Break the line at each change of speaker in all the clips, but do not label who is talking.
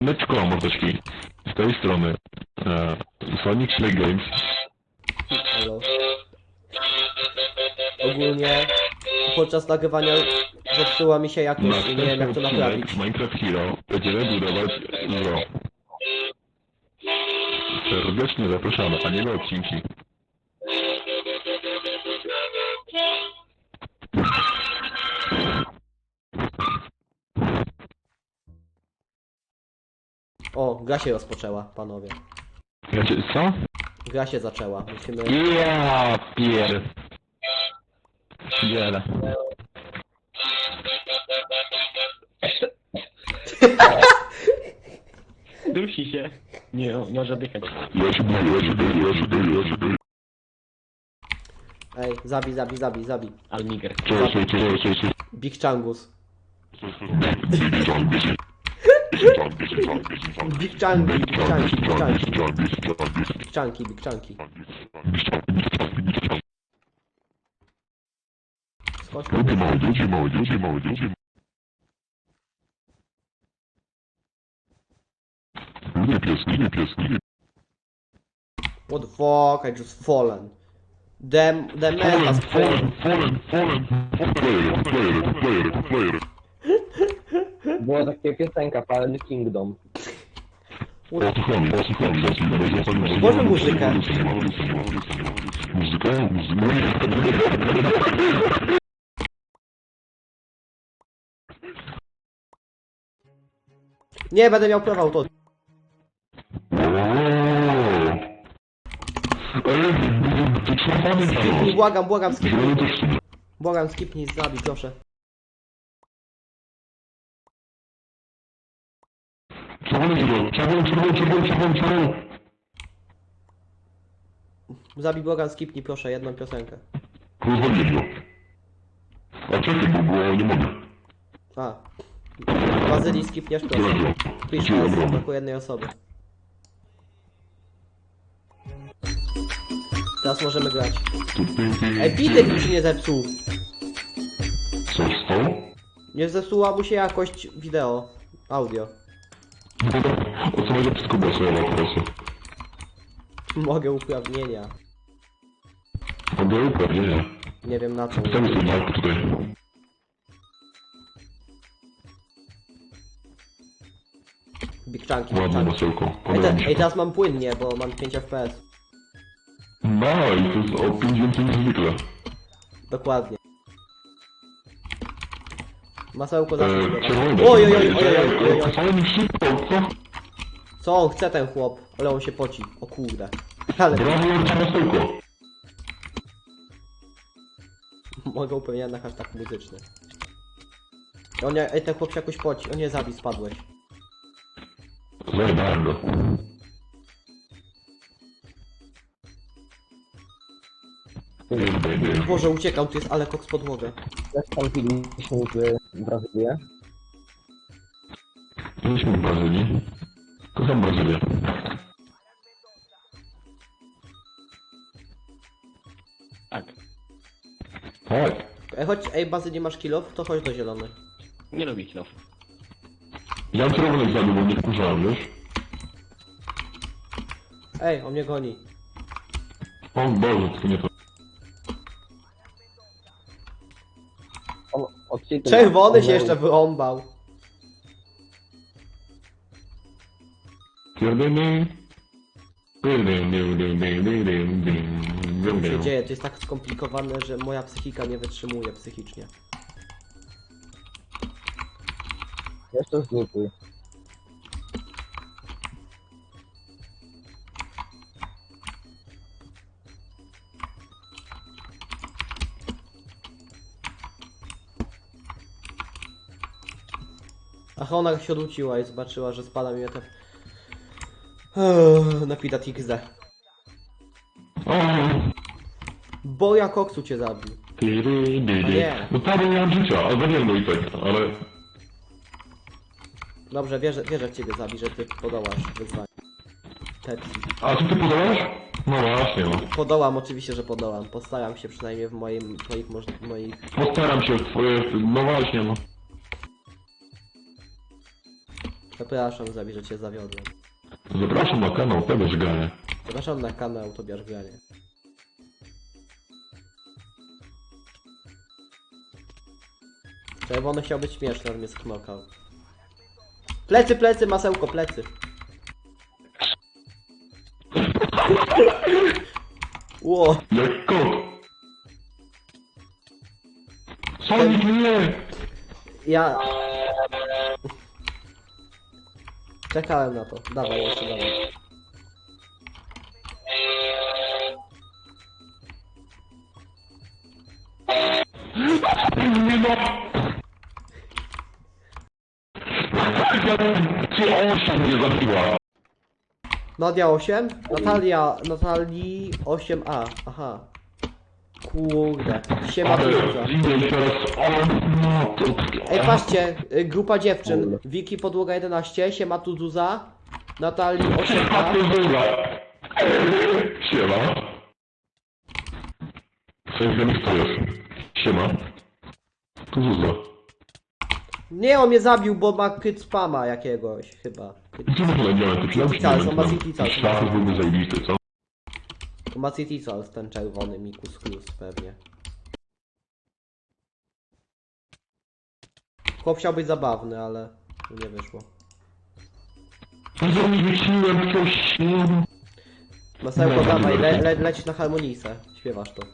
Meczko, mordeczki. Z tej strony Sonic Play Games.
Halo. Ogólnie podczas nagrywania zepsuła mi się jakość i nie wiem jak to naprawić.
W Minecraft Hero będziemy budować zoo. Serdecznie zapraszamy, a nie na odcinki.
O, gra się rozpoczęła, panowie.
Co?
Gra się zaczęła. Musimy...
Ja pier... Pier...
Dusi się. Nie, może dychać.
Ja się boję.
Ej, zabij.
Almiger.
Co?
Big Changus. Big Chunky. Skocz.
Ludzie mały. Ludzie pieski.
What the fuck, I just fallen. The man has fallen.
Fallen. Player.
Była taka piosenka, Fallen Kingdom.
Posłuchamy.
Włączmy muzykę.
Muzyka?
Nie, będę miał prawa auto. Skipnij, błagam, skipnij. Błagam, skipnij, zabij, proszę.
Czerwony.
Zabij, błagam, skipnij, proszę, jedną piosenkę.
Rozwaliłem go. A czekaj, bo nie mogę.
A. Bazylii skipniesz, proszę. Please, tylko jednej osoby. Teraz możemy grać. Ej, bitek mi się nie zepsuł.
Co stało?
Nie zepsuła mu się jakość wideo. Audio.
O co może wszystko głosować teraz?
Mogę uprawnienia.
Mogę uprawnienia.
Nie wiem na co.
Chcemy sobie mark tutaj.
Big Chunky.
Ładne masełko.
Ej, teraz mam płynnie, bo mam 5 FPS.
Nice, to jest o 5 więcej niż zwykle.
Dokładnie. Masełko zawsze zbiera.
Czerwony.
Oj.
Ale mi szybko, co?
Co on chce, ten chłop? Ale on się poci. O kurde. Ale
Brawo, Jarcie masełko.
mogę upewniać na hashtag muzyczny. Ej, ten chłop się jakoś poci. O nie, zabij, spadłeś.
Zajebałem go.
Boże, uciekał, tu jest Alekok z podłogę.
Jak tam filmiliśmy w Brazylię?
Byliśmy w Brazylii. Kocham Brazylię.
Tak.
Tak.
Ej, chodź, ej, Bazy, nie masz killów? To chodź do zielonej.
Nie lubię kilów.
Ja czerwonek zabił, bo nie wkurzałem, wiesz?
Ej, on mnie goni.
O Boże, to nie to.
On odcinek.
Czerwony się jeszcze wyrąbał. Co się dzieje? To jest tak skomplikowane, że moja psychika nie wytrzymuje psychicznie.
Jeszcze zlutuj.
Ach, ona się odwróciła i zobaczyła, że spada mi te... Napidat XD. Bo ja koksu cię zabił. nie.
No prawie nie mam życia, a zabiłem go i tak, ale...
Dobrze, wierzę w ciebie zabi, że ty podołasz wyzwaniu. Pepsi.
A co ty podałeś? No właśnie, no.
Podołam, oczywiście, że podołam. Postaram się przynajmniej w moich...
Postaram się w twoje... No właśnie, no.
Przepraszam, Zabi, że cię zawiodłem.
Zapraszam na kanał Tobiasz Granie.
Zapraszam na kanał Tobiasz Granie. Czerwony chciał być śmieszny, ale mnie sknokał. Plecy, plecy, masełko, plecy. Ło,
Jak kot! Sonic, nie!
ja... Czekałem na to. Dawaj, jeszcze dawaj.
Nie no! Czy 8 mnie zabiła?
Nadia 8? Natalii 8A. Aha. Kurde. Siema Tuza.
Zimniej teraz, o no to...
Ej, patrzcie, grupa dziewczyn. Wiki Podłoga 11, siema Tuzuza. Natalii 8A.
Siema. Cześć, wiemy kto jest. Siema. Tu Zuza.
Nie, on mnie zabił, bo ma kryt spama jakiegoś, chyba.
Gdzie w ogóle miałem te
City Cals, on ma City Cals.
Szlafy byłby zajebisty, co?
To ma City Cals, ten czerwony Mikus Cruz pewnie. Chłop chciał być zabawny, ale nie wyszło.
Ja nie wyciłem coś...
Masełko, dawaj, leć na harmonisę. Śpiewasz to.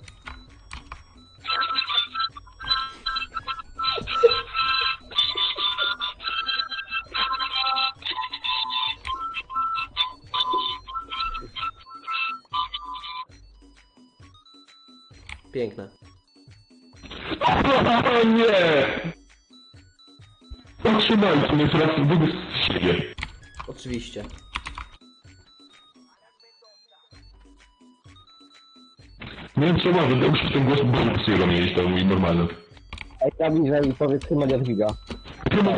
Piękne.
O nie! Zatrzymajcie mnie teraz wybieg z siebie.
Oczywiście.
Nie wiem co ma, że muszę ten głos bardzo sobie mieć, to mój normalny.
Ej, Zabi, że powiedz chyba Jadwiga.
Chyba...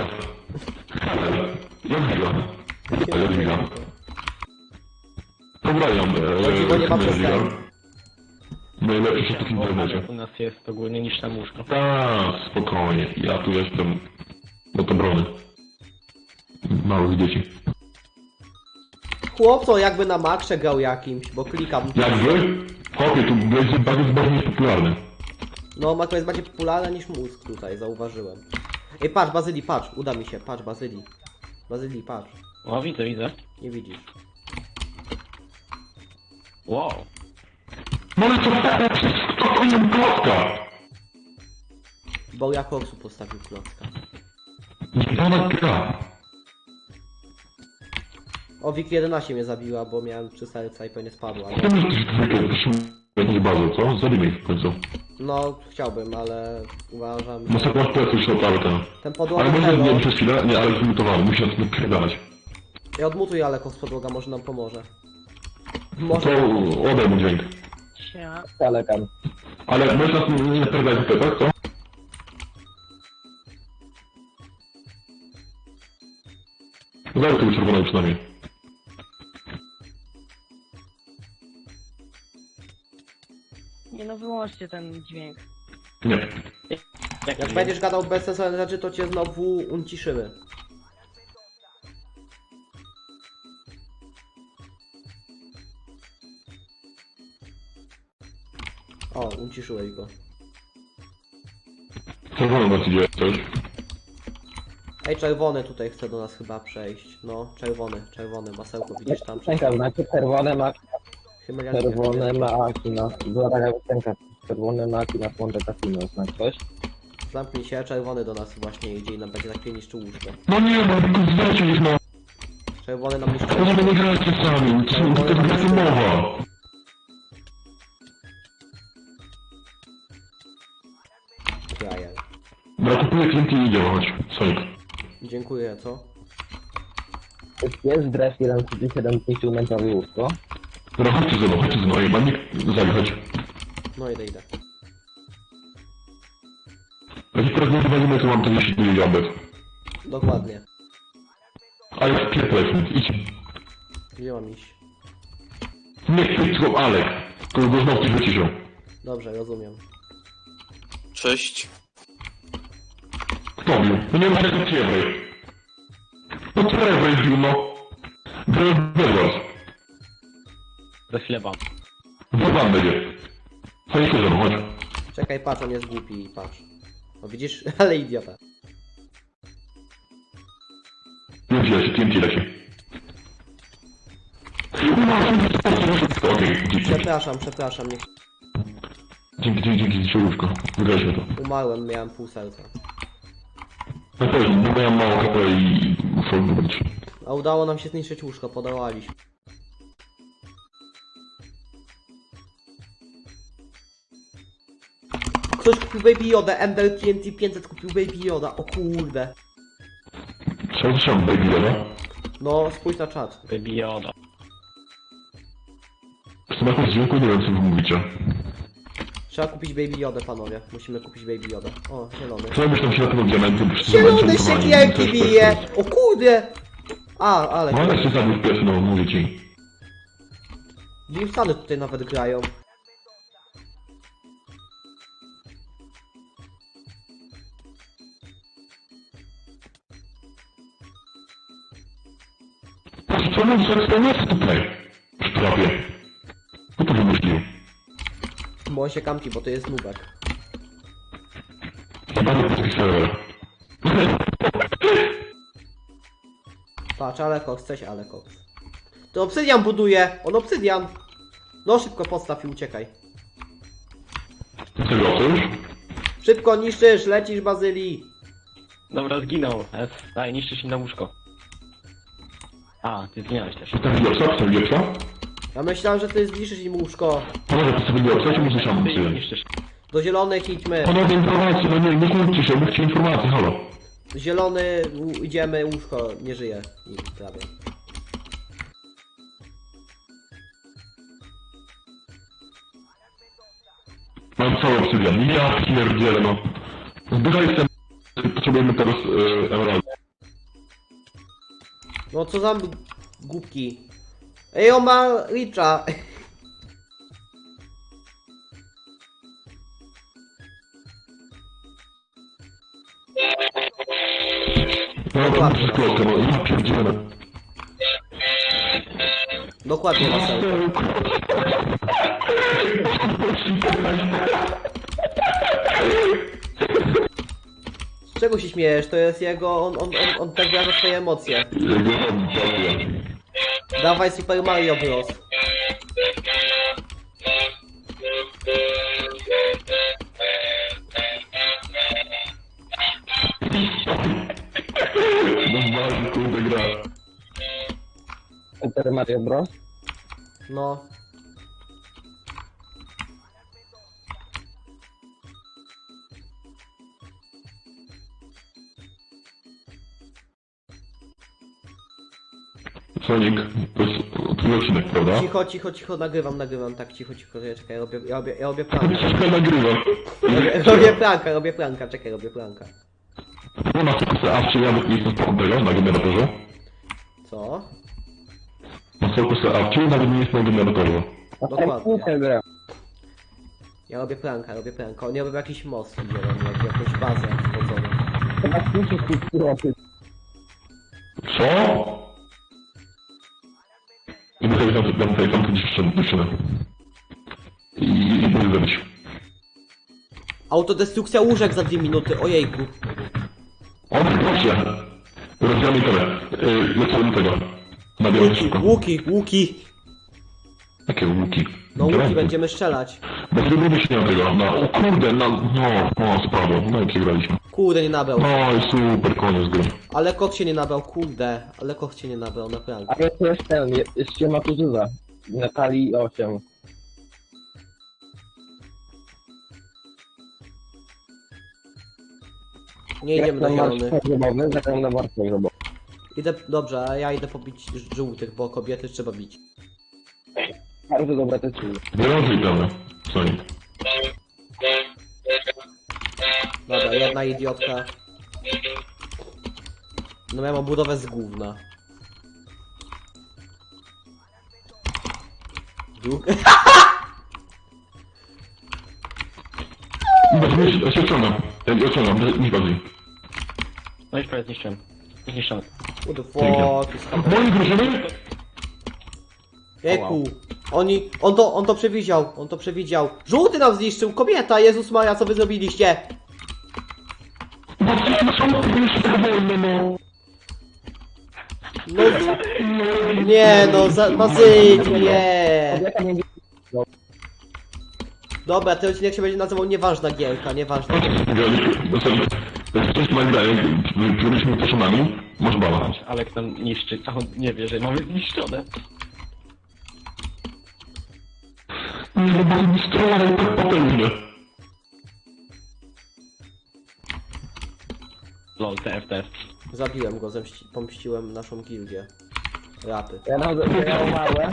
Jadwiga. Jadwiga. Pozdrawiam,
Jadwiga nie ma przestępstw.
Jadwiga. Najlepszy sztuki w internecie.
U nas jest ogólnie niż tam łóżko.
Tak, spokojnie. Ja tu jestem do obrony małych dzieci.
Chłopco jakby na maksze grał jakimś, bo klikam.
Jakby? Chłopie, tu będzie bardzo niepopularny.
No, Mako jest bardziej popularny niż mózg tutaj, zauważyłem. Ej, patrz, Bazylii, patrz, uda mi się, patrz, Bazylii. Bazylii, patrz.
O, widzę, widzę.
Nie widzisz.
Wow.
No ale co to nie klocka?
Bo ja koksu postawił klocka.
Nie pana gra.
O, Wiki 11 mnie zabiła, bo miałem 3 serca i pewnie spadła.
Nie myślisz, że jakąś bazę, co? Zabijmy ich w końcu.
No, chciałbym, ale uważam,
No
że
sobie masz plecy środkowy ten.
ten
Ale
podłoga
może nie
Hero...
przez chwilę? Nie, ale zmutowany, musi nas napierdalać.
Ja odmutuj, ale kos podłoga może nam pomoże.
To
Może.
odej mu dźwięk.
Kalekan.
Ale możesz nas nie napierdalać w tak, co? Zajmę tego czerwonego przynajmniej.
Nie no, wyłączcie ten dźwięk.
Nie.
Jak będziesz gadał bezsensowne rzeczy, to cię znowu unciszymy. O, unciszyłeś go.
Czerwono nas idzie, coś.
Ej, czerwony tutaj chce do nas chyba przejść. No, czerwony, masełko, widzisz tam?
Piosenka, znaczy
Hymeliacja.
czerwone maki na... Była taka piosenka. Czerwone maki na Monte Cassino, znaczy coś?
Zamknij się, czerwony do nas właśnie idzie i nam będzie tak niszczył łóżko.
No nie, no tylko zdajcie ich, no.
Czerwony nam niszczy
To nie grajcie sami, to jest taka mowa.
Frajer.
Dobra, kupuję klienty i idziemy, chodź. Sonic.
Dziękuję, co?
Jest dres 137 metrowy łóżko.
Dobra, chodźcie ze mną, ej, mam nikt chodź.
No idę.
Jak teraz nie wywalimy, to mam to 10 jabłek.
Dokładnie.
Ale pierdolę, idź.
Gdzie mam iść?
Nie, tylko Alek. To go znowu coś wyciszą.
Dobrze, rozumiem.
Cześć.
Kto bił? No nie ma tego ciebie. No to czterech wejdził, no. Wygląd.
Za chwilę wam.
Wybam będzie. Chodź, chodź.
Czekaj, patrz, on jest głupi, patrz. No widzisz? Ale idiota.
TNT leci, TNT leci. Okej, dzięki.
Przepraszam, nie...
Dzięki, siłówko. Wygraliśmy to.
Umarłem, miałem pół serca.
Na pewno, bo ja mam mało HP i muszę wybrać.
A udało nam się zniszczyć łóżko, podołaliśmy. Ktoś kupił Baby Yoda, Ender TNT 500 kupił Baby Yoda, o kurde.
Co trzeba, baby, dobra?
No, spójrz na czat.
Baby Yoda.
W smaku dźwięku nie wiem, co wy mówicie.
Trzeba kupić Baby Yoda, panowie. Musimy kupić Baby Yoda. O, zielony.
Co myślą się na tego diamentu?
Zielony siekierki bije! O kurde! Ale...
No ale się zabił pies, no, mówię ci.
Wilsony tutaj nawet grają.
Co mam za eksploatację tutaj? W trapie. Kto to wymyślił?
Bo on się kampi, bo to jest nubek.
Bardzo polski serwer.
Patrz, Alekox, coś Alekox. To obsydian buduje! On obsydian! No szybko postaw i uciekaj.
Tego, co już?
Szybko niszczysz, lecisz Bazylii!
Dobra, zginął. Daj, niszczysz im na łóżko. A, ty zginąłeś też.
Tam wiepsa, tam wiepsa?
Ja myślałem, że ty zniszczysz im łóżko.
Panowie, to sobie wiepsa, czy muszę sam
Ty ich
przyjąć?
niszczysz.
Do zielonych idźmy.
Panowie, informacje, no nie kłóćcie się, mówcie informacje, halo.
Zielony, idziemy, łóżko nie żyje. I prawie.
Mam cały obsydian. Ja pierdzielę, no. Zbieraj ten... Potrzebujemy teraz emeraldy.
No co za głupki. Ej, on ma Richa.
No to muszę klockę, no ja pierdzielę.
Dokładnie na serce. Z czego się śmiejesz? To jest jego... On tak wyraża swoje emocje. Dawaj Super Mario Bros.
No bardzo kurde gra.
Super Mario Bros.
No.
Sonic, to jest twój odcinek, prawda?
Cicho, nagrywam, tak, cicho, czekaj, robię pranka.
Wszystko nagrywa.
Robię pranka, czekaj, robię pranka.
No na fokusy awcie, ja nie jestem tego na generatorze.
Co?
Na fokusy awcie, nawet nie jest na generatorze.
Dokładnie.
Grę.
Ja robię pranka. On robił jakiś most zielony, jakąś bazę wchodzoną.
Chyba słyszysz tu kroty.
Co? I muszę tam dziewczynę. I będę zabić.
Autodestrukcja łóżek za 2 minuty, ojejku.
O, proszę! Rozdzielamy tyle. Lecę do tego. Nabieram szybko.
Łuki.
Jakie łuki?
No łuki będziemy strzelać.
Bo zrobimy się na tego. No, o kurde, spadło. No i przegraliśmy.
Kurde, nie nabrał.
No i super, koniec gry.
Ale koch się nie nabrał, kurde. Ale koch się nie nabrał, naprawdę.
A to jest ten, jest ściema Tuzyza. Natalii 8.
Nie idziemy na zielony.
Grobowy, zagram na warstwę grobową.
Dobrze, a ja idę pobić żółtych, bo kobiety trzeba bić.
Bardzo dobra to jest.
Wyrażaj tam, Sonic.
Dobra, jedna idiotka. No ja mam budowę z gówna.
Ja się odciągam. Ja odciągam, nic bardziej.
No i prawie zniszczyłem. Zniszczony.
What the fuck is happening?
Moi drużyny?
Jejku. On to przewidział, on to przewidział. Żółty nam zniszczył, kobieta, Jezus Maria, co wy zrobiliście?
Bo wszyscy są jeszcze tak wolne, no.
No, nie no, Bazyli, nie.
Kobieta nie
Dobra, ten odcinek się będzie nazywał Nieważna Gierka, nieważna.
Jak ktoś ma grę, którymi poszonami, masz bala.
Alek nam niszczy, a on nie wie, że mamy zniszczone.
Nie, no bo mi strzelał tak potężnie.
Lol, TFT.
Zabiłem go, pomściłem naszą gildię. Rapy.
Ja umarłem.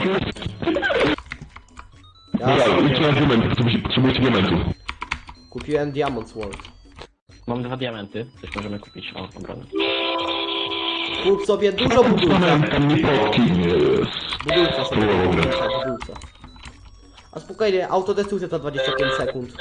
Ja
Dobra, idźcie na diament, potrzebujecie diamentów.
kupiłem Diamond Sword.
Mam 2 diamenty, coś możemy kupić. O, obronę.
Kup sobie dużo budulca.
Diamentem nie potki, nie jest.
Budulca sobie,
Dobra.
budulca. A spokojnie, autodestrukcja to 25 sekund.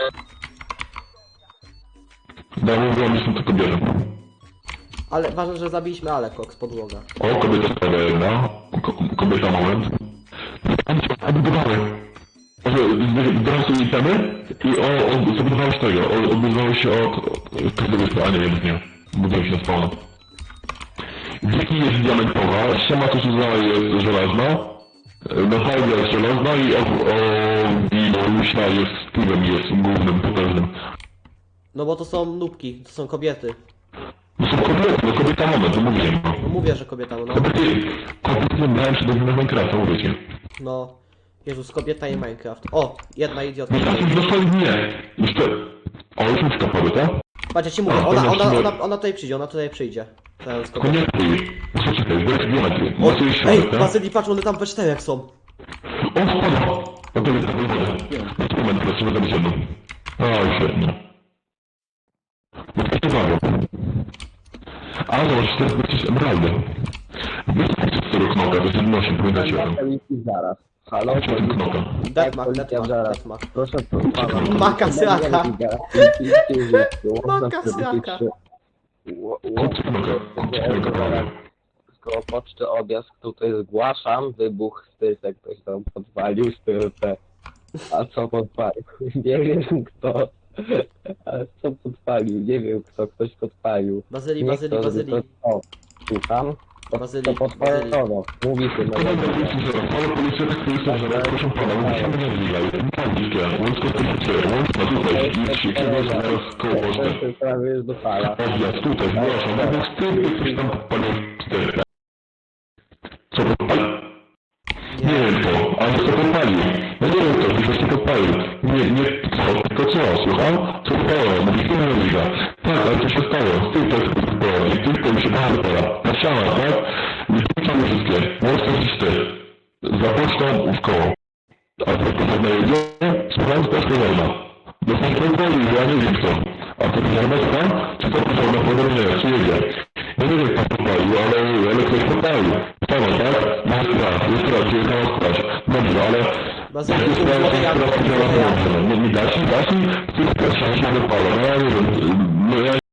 Dałem wam, są to kobiety.
Ale ważne, że zabiliśmy Alekok z podłoga.
O, kobieta stawia jedna. Kobieta, moment. Odbudowały. Brałem sobie itemy i zbudowało się tego. Odbudowało się od każdego spawna, nie wiem, nie. Budowało się na spawna. Wieki jest diamentowa, ściema to jest żelazna. Natalia jest żelazna i Wilusia jest Steve'em, jest głównym, potężnym.
No bo to są nubki, to są kobiety.
No są kobiety, no kobieta moment, to mówię.
No mówię, że kobieta, no.
Kobiety, kompletnie brałem się do Minecrafta, mówię ci.
No. Jezus, kobieta i Minecraft. O, jedna idiotka.
No tak, dosłownie nie. Jeszcze... O, już mi wskapały, tak?
Patrz, ja ci mówię, ona tutaj przyjdzie, ona tutaj przyjdzie. Teraz kobieta.
Konektuj. Co czekaj, bo jest diament.
O,
Mocy jest
ej,
środek, tak?
Bazyli, patrz, one tam we czterech są.
O, spada! No to jest tak, no moment, teraz trzeba zabić jedną. O, świetnie. No to się bawią. A, zobacz, teraz jesteś emeraldy. Wysokość z tego knoka, to jest 1,8, pamiętajcie o tym.
Zaraz. Halo,
Chodźcie o tym knoka.
Deathmark,
policja zaraz.
Deathmark.
Proszę pana.
Maka sraka. Maka sraka.
Chodź z knoka, chodź z knoka, prawie.
Koło poczty odjazd tutaj zgłaszam, wybuch styrtek, ktoś tam podpalił styrtę. A co podpalił? Nie wiem kto. A co podpalił? Nie wiem kto, ktoś podpalił.
Bazyli,
Nie
Bazyli,
kto,
Bazyli.
O, słucham?
Bazyli,
To podpalono. Mówi się na
Kolega policji zaraz, ale policja tak policja zaraz, proszę pana, musimy nie zwijać. Nie widzicie, łączko to jest łączka tutaj, idźcie, kiedy zaraz koło poczty.
Prawie jest do fala.
Odjazd tutaj, zgłaszam, no bo wtedy ktoś tam palił styrkę. Co podpalił? Nie wiem kto, ale co podpalił? No nie wiem kto, ktoś to podpalił. Nie co, tylko co, słucham? Co stało? Mówi, nie widzę. Tak, ale co się stało? Ty to jest było i ty to mi się bardzo teraz. Pasiała, tak? Nie wpuszczamy wszystkie. Łączka gdzieś ty. Za pocztą w koło. A to potrzebna jedzie? Słucham, to jest potrzebna. Do kontroli, ja nie wiem kto. A to potrzebna słucham? Czy to potrzebna podróżnie? Czy jedzie? Ja nie wiem kto podpalił, ale ktoś podpalił. Stało, tak? Masz strach, jest strach, jest na strach. Dobrze, ale...
Bazyli, złote jabłko.
Nie da się, ty też się nie wypala. No ja nie wiem, no ja